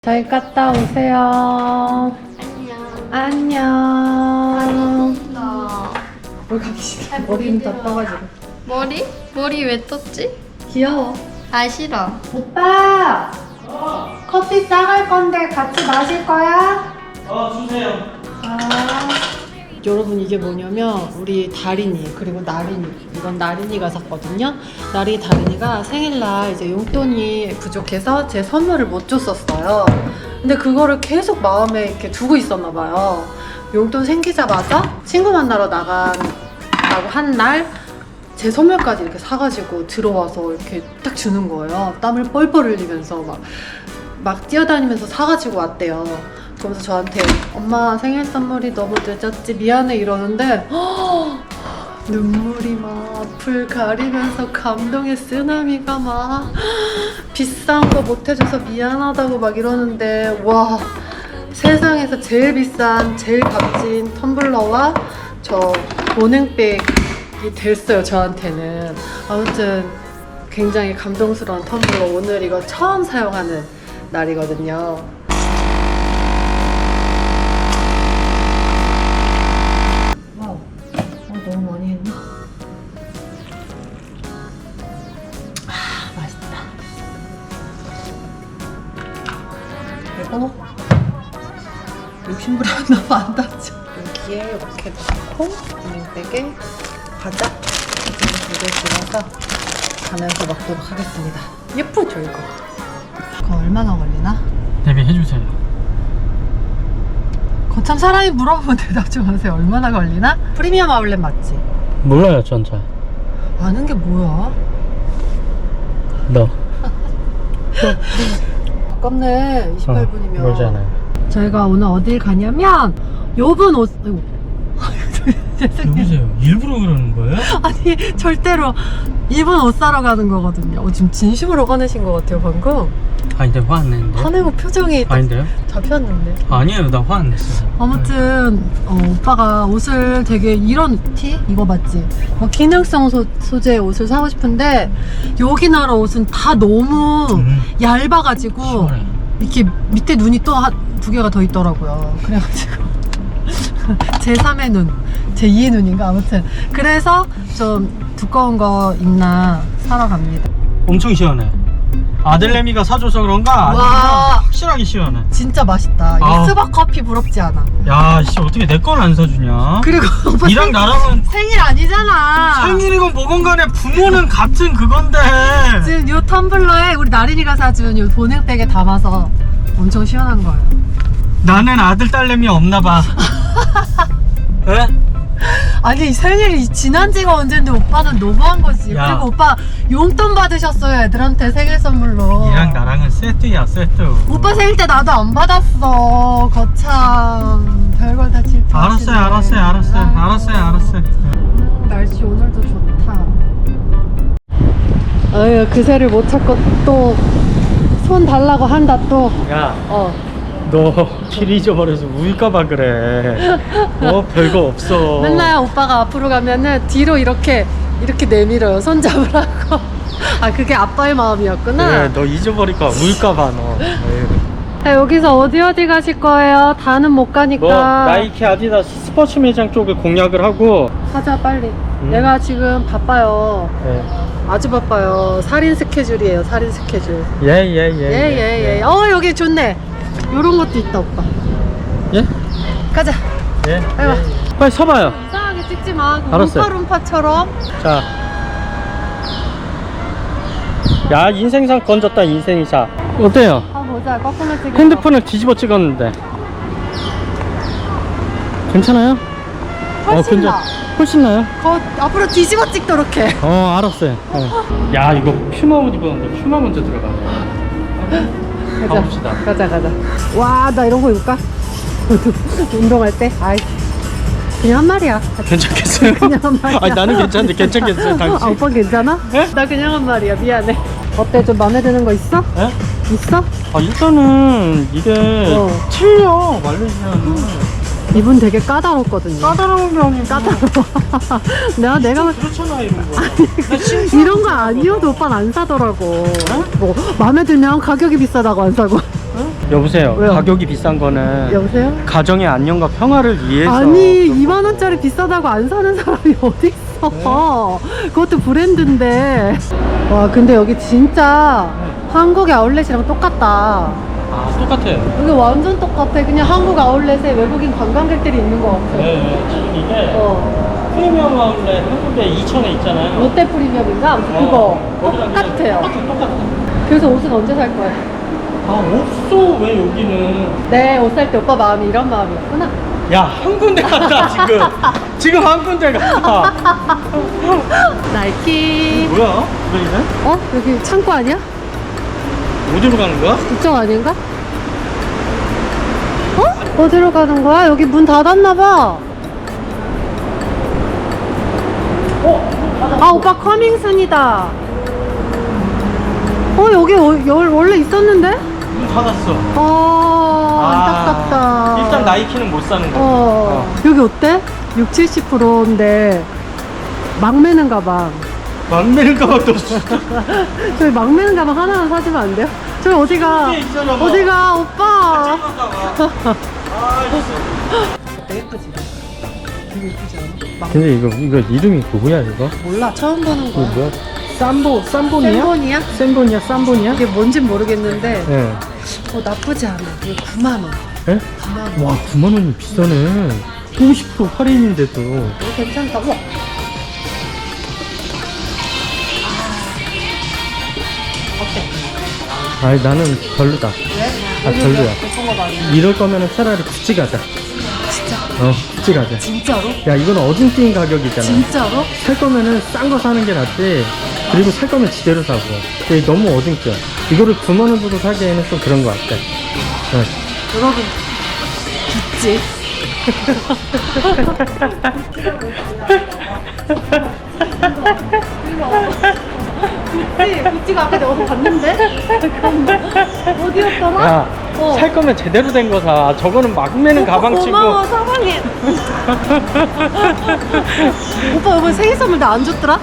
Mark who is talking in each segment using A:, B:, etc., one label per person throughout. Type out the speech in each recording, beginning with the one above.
A: 잘 갔다 오세요. 안녕. 안녕. 뭘 가기 싫어. 머리는 다 떠가지고.
B: 머리? 머리 왜 떴지?
A: 귀여워.
B: 아 싫어.
A: 오빠! 커피 싸갈 건데 같이 마실 거야?
C: 주세요.
A: 여러분, 이게 뭐냐면 우리 다린이 그리고 나린이, 이건 나린이가 샀거든요. 다린이가 생일날 이제 용돈이 부족해서 제 선물을 못 줬었어요. 근데 그거를 계속 마음에 이렇게 두고 있었나 봐요. 용돈 생기자마자 친구 만나러 나간다고 한 날 제 선물까지 이렇게 사가지고 들어와서 이렇게 딱 주는 거예요. 땀을 뻘뻘 흘리면서 막 뛰어다니면서 사가지고 왔대요. 그러면서 저한테 엄마 생일 선물이 너무 늦었지 미안해 이러는데 눈물이 막 앞을 가리면서 감동의 쓰나미가 막 비싼 거 못 해줘서 미안하다고 막 이러는데, 와, 세상에서 제일 비싼 제일 값진 텀블러와 저 보냉백이 됐어요, 저한테는. 아무튼 굉장히 감동스러운 텀블러, 오늘 이거 처음 사용하는 날이거든요. 와우, 너무 많이 했나? 맛있다. 그리고 욕심부려 너무 안 닿죠? 여기에 이렇게 넣고 보냉백에 과자 두개 집어서 가면서 먹도록 하겠습니다. 예쁘죠, 이거? 그거 얼마나 걸리나?
C: 대비해주세요.
A: 거참 사람이 물어보면 대답 좀 하세요. 얼마나 걸리나? 프리미엄 아울렛 맞지?
C: 몰라요, 전 잘.
A: 아는 게 뭐야?
C: 너.
A: 아깝네. 28분이면.
C: 모르잖아요.
A: 저희가 오늘 어딜 가냐면 요분 옷... 아이고. 죄송해요.
C: 누구세요? 일부러 그러는 거예요?
A: 아니, 절대로 이분 옷 사러 가는 거거든요. 지금 진심으로 화내신 것 같아요, 방금.
C: 아닌데 화 안 냈는데?
A: 화내고 표정이 딱
C: 아닌데요?
A: 잡혔는데.
C: 아니에요, 나 화 안 냈어요.
A: 아무튼 오빠가 옷을 되게 이런 티? 이거 맞지? 기능성 소재의 옷을 사고 싶은데 여기 나라 옷은 다 너무 얇아가지고
C: 시원해.
A: 이렇게 밑에 눈이 또 두 개가 더 있더라고요. 그래가지고 제 3의 눈, 제 2의 눈인가? 아무튼 그래서 좀 두꺼운 거 있나 사러 갑니다.
C: 엄청 시원해. 아들내미가 사줘서 그런가?
A: 와.
C: 아니면 확실하게 시원해.
A: 진짜 맛있다.
C: 아.
A: 이 스벅 커피 부럽지 않아?
C: 야, 씨, 어떻게 내 건 안 사주냐?
A: 그리고 오빠
C: 니랑 나랑은
A: 생일 아니잖아.
C: 생일이건 뭐건 간에 부모는 같은 그건데.
A: 지금 요 텀블러에 우리 나린이가 사준 요 보냉백에 담아서 엄청 시원한 거예요.
C: 나는 아들, 딸내미 없나봐. 에?
A: 아니, 생일이 지난 지가 언젠데 오빠는 너무한 거지.
C: 야.
A: 그리고 오빠 용돈 받으셨어요, 애들한테 생일 선물로.
C: 니랑 나랑은 세트야, 세트.
A: 오빠 생일 때 나도 안 받았어. 거참 별걸 다 질투하시네.
C: 알았어요.
A: 날씨 오늘도 좋다. 아유, 그새를 못 찾고 또 손 달라고 한다 또.
C: 야, 너 길 잊어버려서 울까봐 그래. 별거 없어.
A: 맨날 오빠가 앞으로 가면은 뒤로 이렇게 내밀어요, 손 잡으라고. 아, 그게 아빠의 마음이었구나.
C: 그래, 너 잊어버릴까 울까봐 너.
A: 자, 여기서 어디 가실 거예요? 다는 못 가니까.
C: 뭐 나이키 아디다스 스포츠 매장 쪽을 공략을 하고.
A: 가자, 빨리. 내가 지금 바빠요. 아주 바빠요. 살인 스케줄이에요, 살인 스케줄.
C: 예.
A: 여기 좋네. 요런 것도 있다, 오빠.
C: 예?
A: 가자.
C: 예.
A: 빨리 와.
C: 빨리 서봐요.
A: 이상하게 찍지 마.
C: 알았어요.
A: 룸파룸파처럼.
C: 자. 야, 인생샷 건졌다, 인생샷. 어때요?
A: 보자. 거꾸로 찍어.
C: 핸드폰을 뒤집어 찍었는데. 괜찮아요?
A: 훨씬 나.
C: 훨씬 나요?
A: 앞으로 뒤집어 찍도록 해.
C: 알았어요. 야, 이거 퓨마 옷 입었는데 퓨마 먼저 들어가. 가봅시다.
A: 가자. 와, 나 이런 거 입을까? 운동할 때? 아이, 그냥 한 말이야.
C: 괜찮겠어요?
A: 그냥 한 말이야.
C: 아니, 나는 괜찮은데 괜찮겠어요, 당신?
A: 오빠 괜찮아?
C: 예?
A: 나 그냥 한 말이야. 미안해. 어때? 좀 마음에 드는 거 있어?
C: 예?
A: 있어?
C: 일단은 이게 틀려, 말레이시아는.
A: 이분 되게 까다롭거든요.
C: 까다로운 게 아니고.
A: 까다로워. 내가
C: 그렇잖아, 이런 거.
A: 이런 거 아니어도 오빠는 안 사더라고. 뭐 마음에 들면 가격이 비싸다고 안 사고.
C: 여보세요.
A: 왜요?
C: 가격이 비싼 거는
A: 여보세요?
C: 가정의 안녕과 평화를 위해서.
A: 아니 2만 원짜리 비싸다고 안 사는 사람이 어디 있어? 그것도 브랜드인데. 와 근데 여기 진짜 한국의 아울렛이랑 똑같다.
C: 아, 똑같아요.
A: 여기 완전 똑같아. 그냥 한국 아울렛에 외국인 관광객들이 있는 것 같아.
C: 네, 지금 이게
A: 어.
C: 프리미엄 아울렛 한국에 2,000에 있잖아요.
A: 롯데 프리미엄인가? 아무튼 그거
C: 거기랑 그냥
A: 똑같아요.
C: 똑같아.
A: 그래서 옷은 언제 살 거야?
C: 아, 없어. 왜 여기는?
A: 내 옷 살 때 오빠 마음이 이런 마음이었구나.
C: 야, 한 군데 갔다, 지금. 지금 한 군데 갔다.
A: 나이키.
C: 뭐야? 왜 이래?
A: 어? 여기 창고 아니야?
C: 어디로 가는 거야?
A: 이쪽 아닌가? 어? 어디로 가는 거야? 여기 문 닫았나봐. 아 오빠 커밍순이다. 여기 원래 있었는데?
C: 문 닫았어.
A: 안타깝다.
C: 일단 나이키는 못 사는 거야.
A: 여기 어때? 60-70%인데 막 매는 가방.
C: 막 매는 가방도 없어.
A: 저희 막 매는 가방 하나만 사주면 안 돼요? 저희 어디가?
C: 뒤에 있잖아, 뭐.
A: 어디가 오빠?
C: 아, 있어.
A: 예쁘지? 되게 예쁘지 않아?
C: 근데 이거 이름이 뭐야, 이거?
A: 몰라 처음 보는 거야.
C: 뭐야? 쌈보니야?
A: 셀본이야?
C: 쌈보니야? 쌈보니야?
A: 이게 뭔진 모르겠는데
C: 네.
A: 나쁘지 않아. 이거 9만 원.
C: 예?
A: 9만 원.
C: 와, 9만 원이 비싸네. 50% 할인인데도.
A: 이거 괜찮다. 우와. 어때?
C: 아니, 나는 별로다.
A: 왜?
C: 아, 별로야.
A: 예쁜 거 많이.
C: 이럴 거면은 차라리 구찌 가자.
A: 진짜?
C: 구찌 가자.
A: 진짜로?
C: 야, 이건 어중뛴 가격이잖아.
A: 진짜로?
C: 살 거면은 싼 거 사는 게 낫지. 그리고 살 거면 지대로 사고. 근데 너무 어중뛰어. 이거를 9만 원 주고 사기에는 좀 그런 거 같아.
A: 여러분 구찌. 구찌가 아까 내가 어디 봤는데? 어디였더라?
C: 야, 살 거면 제대로 된 거 사. 저거는 막 매는 가방 치고.
A: 고마워 사랑해. 오빠 이번 생일 선물 나 안 줬더라?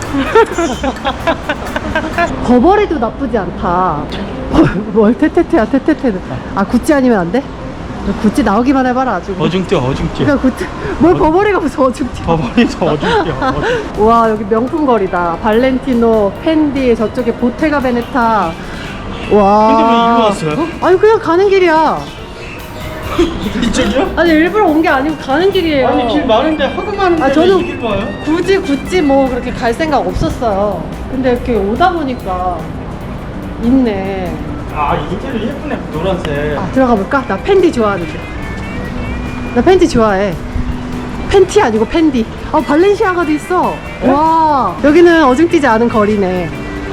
A: 버버리도 나쁘지 않다. 뭘 테테테야 테테테는. 아 구찌 아니면 안 돼? 구찌 나오기만 해봐라 아주.
C: 어중뛰어.
A: 그러니까 구찌 뭘 버버리가 무슨 어중뛰어.
C: 버버리도 어중뛰어.
A: 와 여기 명품 거리다. 발렌티노, 펜디, 저쪽에 보테가 베네타. 와.
C: 근데 왜 일로 왔어요?
A: 아니 그냥 가는 길이야.
C: 이쪽이요?
A: 아니 일부러 온 게 아니고 가는 길이에요.
C: 아니, 길 많은데 하도 많은데
A: 아, 저는-
C: 왜 이길 봐요?
A: 굳이 구찌 뭐 그렇게 갈 생각 없었어요. 근데 이렇게 오다 보니까 있네.
C: 아, 인테리어 예쁘네. 노란색.
A: 아 들어가 볼까? 나 팬디 좋아하는데. 나 팬티 좋아해. 팬티 아니고 팬디. 발렌시아가도 있어. 와 여기는 어중뛰지 않은 거리네.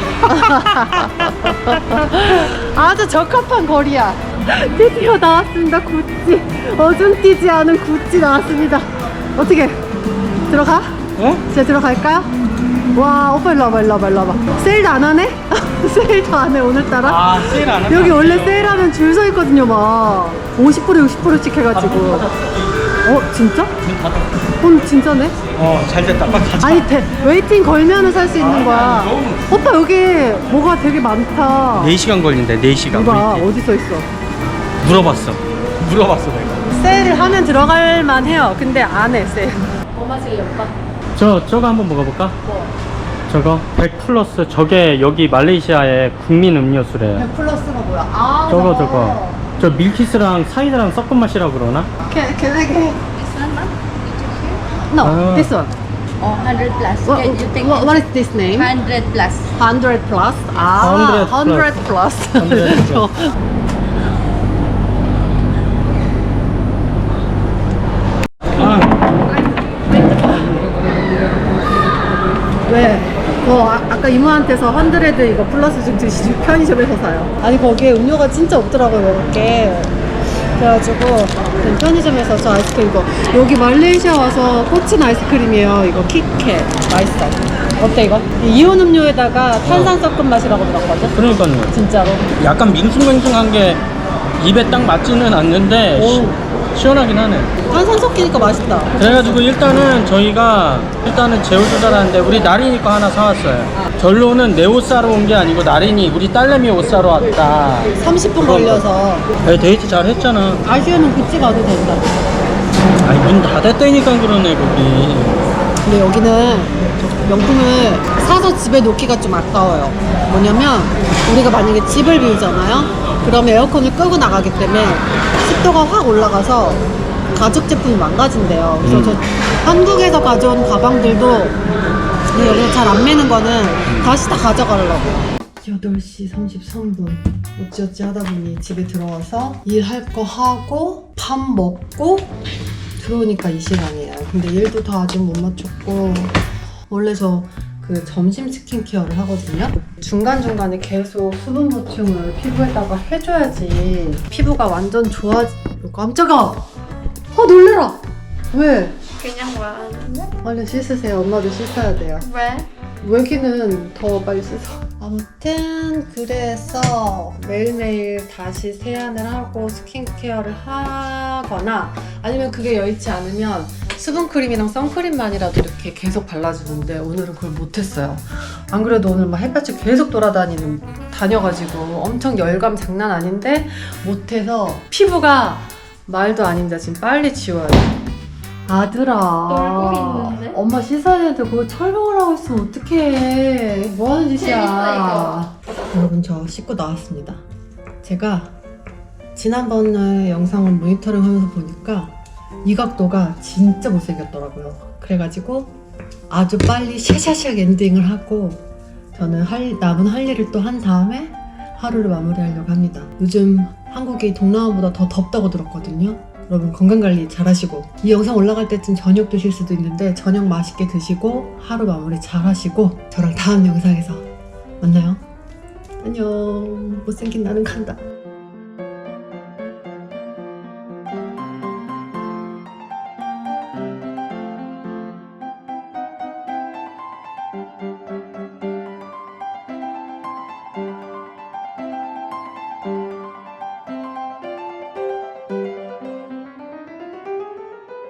A: 아주 적합한 거리야. 드디어 나왔습니다. 구찌. 어중뛰지 않은 구찌 나왔습니다. 어떻게 들어가? 진짜 들어갈까요? 와 오빠 일로 와봐. 세일도 안 하네? 세일도 안 해 오늘따라?
C: 아, 세일 안 한다.
A: 여기 원래 세일하면 줄 서 있거든요 막 50% 60%씩 해가지고. 진짜?
C: 문 닫았어.
A: 진짜네?
C: 잘 됐다. 빨리 가자.
A: 아니 웨이팅 걸면은 살 수 있는 거야.
C: 너무-
A: 오빠 여기 뭐가 되게 많다.
C: 4시간 걸린대. 4시간.
A: 누가 어디 써 있어?
C: 물어봤어 내가.
A: 세일을 하면 들어갈 만해요. 근데 안 해 세일. 뭐 마실래 오빠?
C: 저거 한번 먹어볼까?
A: 뭐?
C: 저거 100 플러스. 저게 여기 말레이시아의 국민 음료수래요.
A: 100 플러스가 뭐야?
C: 저거 저 밀키스랑 사이다랑 섞은 맛이라고 그러나?
A: Can I get?
B: This one, ma'am?
A: No,
C: Ah.
A: this one.
B: 100 plus.
A: What,
B: Can you take
A: what is this name?
B: 100 plus.
A: 100 plus?
C: 100
A: 100 plus.
C: 100 plus. 아,
A: 왜? 아까 이모한테서 100 이거 플러스 좀 편의점에서 사요. 아니 거기에 음료가 진짜 없더라고요 이렇게. 그래가지고 그냥 편의점에서 저 아이스크림 이거 여기 말레이시아 와서 꽂힌 아이스크림이에요. 이거 kitkat 맛있어. 어때 이거? 이온 음료에다가 탄산 섞은 맛이라고 들었거든?
C: 그러니까요.
A: 진짜로.
C: 약간 밍숭맹숭한 게 입에 딱 맞지는 않는데
A: 오.
C: 시원하긴 하네.
A: 탄산 섞이니까 맛있다.
C: 그래가지고 저희가 제 옷을 사라는데 우리 나린이 거 하나 사왔어요. 결론은 내 옷 사러 온 게 아니고 나린이 우리 딸내미 옷 사러 왔다.
A: 30분 걸려서
C: 데이트 잘 했잖아.
A: 아쉬우면 구찌 가도 된다.
C: 아니 문 닫았다니까 그러네 거기.
A: 근데 여기는 명품을 사서 집에 놓기가 좀 아까워요. 뭐냐면 우리가 만약에 집을 비우잖아요. 그러면 에어컨을 끄고 나가기 때문에 습도가 확 올라가서 가죽 제품이 망가진대요. 그래서 저 한국에서 가져온 가방들도 여기서 잘 안 매는 거는 다시 다 가져가려고요. 8시 33분 어찌어찌 하다 보니 집에 들어와서 일할 거 하고 밥 먹고 들어오니까 이 시간이에요. 근데 일도 다 아직 못 마쳤고 원래 저 그 점심 스킨케어를 하거든요. 중간중간에 계속 수분 보충을 피부에다가 해줘야지 피부가 완전 깜짝아! 놀래라! 왜?
B: 그냥 말하는데?
A: 얼른 씻으세요. 엄마도 씻어야 돼요.
B: 왜?
A: 외기는 더 빨리 씻어. 아무튼 그래서 매일매일 다시 세안을 하고 스킨케어를 하거나 아니면 그게 여의치 않으면 수분크림이랑 선크림만이라도 이렇게 계속 발라주는데 오늘은 그걸 못했어요. 안 그래도 오늘 막 햇볕이 계속 다녀가지고 엄청 열감 장난 아닌데 못해서 피부가 말도 아닙니다. 지금 빨리 지워야 돼. 아들아
B: 놀고 있는데?
A: 엄마 씻어야 되는데 그거 철봉을 하고 있으면 어떡해. 뭐하는 짓이야. 여러분 저 씻고 나왔습니다. 제가 지난번에 영상을 모니터링 하면서 보니까 이 각도가 진짜 못생겼더라고요. 그래가지고 아주 빨리 샤샤샥 엔딩을 하고 저는 남은 할 일을 또 한 다음에 하루를 마무리하려고 합니다. 요즘 한국이 동남아보다 더 덥다고 들었거든요. 여러분 건강관리 잘 하시고 이 영상 올라갈 때쯤 저녁 드실 수도 있는데 저녁 맛있게 드시고 하루 마무리 잘 하시고 저랑 다음 영상에서 만나요. 안녕. 못생긴 나는 간다.